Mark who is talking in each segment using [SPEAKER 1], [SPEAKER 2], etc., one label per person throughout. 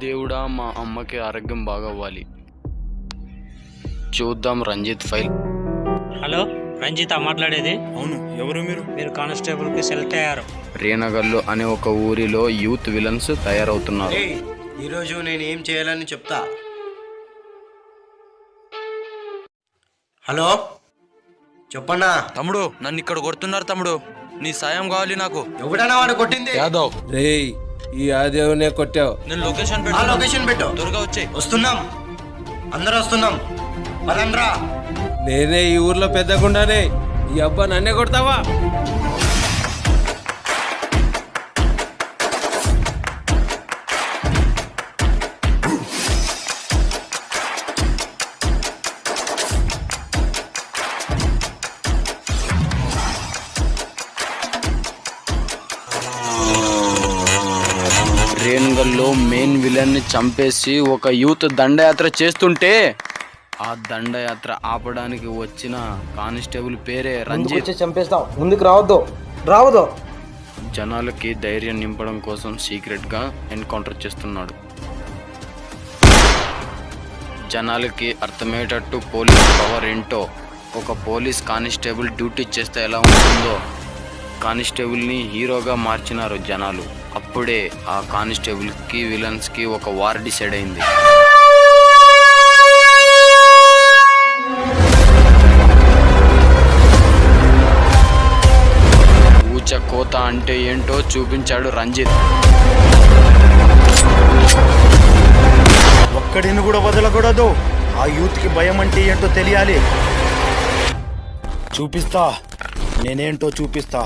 [SPEAKER 1] దేవుడా, మా అమ్మకి ఆరోగ్యం బాగవ్వాలి. చూద్దాం రంజిత్ ఫైల్.
[SPEAKER 2] హలో, రంజిత మాట్లాడేది.
[SPEAKER 3] అవును, ఎవరు మీరు?
[SPEAKER 2] మీరు కానిస్టేబుల్ కి సెలెక్ట్ అయ్యారు.
[SPEAKER 1] రేనగల్లు అనే ఒక ఊరిలో యూత్ విలన్స్ తయారవుతున్నారు.
[SPEAKER 4] ఈరోజు నేను ఏం చేయాలని చెప్తా. హలో, చెప్పన్నా.
[SPEAKER 5] తమ్ముడు, నన్ను ఇక్కడ కొడుతున్నారు తమ్ముడు, నీ సాయం కావాలి నాకు.
[SPEAKER 4] ఎవడన్నా వాడు కొట్టింది?
[SPEAKER 5] యాదవ్.
[SPEAKER 6] రేయ్, ఈ ఆదేవునే కొట్టావు.
[SPEAKER 5] నేను లొకేషన్
[SPEAKER 4] ఆ లొకేషన్ పెట్టు.
[SPEAKER 5] త్వరగా వచ్చే.
[SPEAKER 4] వస్తున్నాం, అందరూ వస్తున్నాం. పదండ్రా.
[SPEAKER 6] నేనే ఈ ఊర్లో పెద్దగుండానే, ఈ అబ్బా నన్నే కొడతావా?
[SPEAKER 1] రేనగల్లో మెయిన్ విలన్ ని చంపేసి ఒక యూత్ దండయాత్ర చేస్తుంటే ఆ దండయాత్ర ఆపడానికి వచ్చిన కానిస్టేబుల్ పేరే రంజిత్.
[SPEAKER 7] చంపేస్తాం, ముందుకు రావద్దు.
[SPEAKER 1] జనాలకి ధైర్యం నింపడం కోసం సీక్రెట్ గా ఎన్కౌంటర్ చేస్తున్నాడు. జనాలకి అర్థమయ్యేటట్టు పోలీస్ పవర్ ఏంటో, ఒక పోలీస్ కానిస్టేబుల్ డ్యూటీ చేస్తే ఎలా ఉంటుందో కానిస్టేబుల్ ని హీరోగా మార్చినారు జనాలు. అప్పుడే ఆ కానిస్టేబుల్ కి విలన్స్ కి ఒక వార్ డిసైడ్ అయింది. ఊచ కోత అంటే ఏంటో చూపించాడు రంజిత్.
[SPEAKER 3] ఒక్కడిని కూడా వదలకూడదు. ఆ యూత్ కి భయం అంటే ఏంటో తెలియాలి. చూపిస్తా, నేనేంటో చూపిస్తా.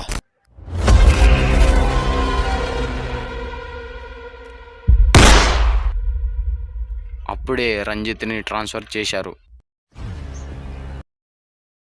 [SPEAKER 1] అప్పుడే రంజిత్ని ట్రాన్స్ఫర్ చేశారు.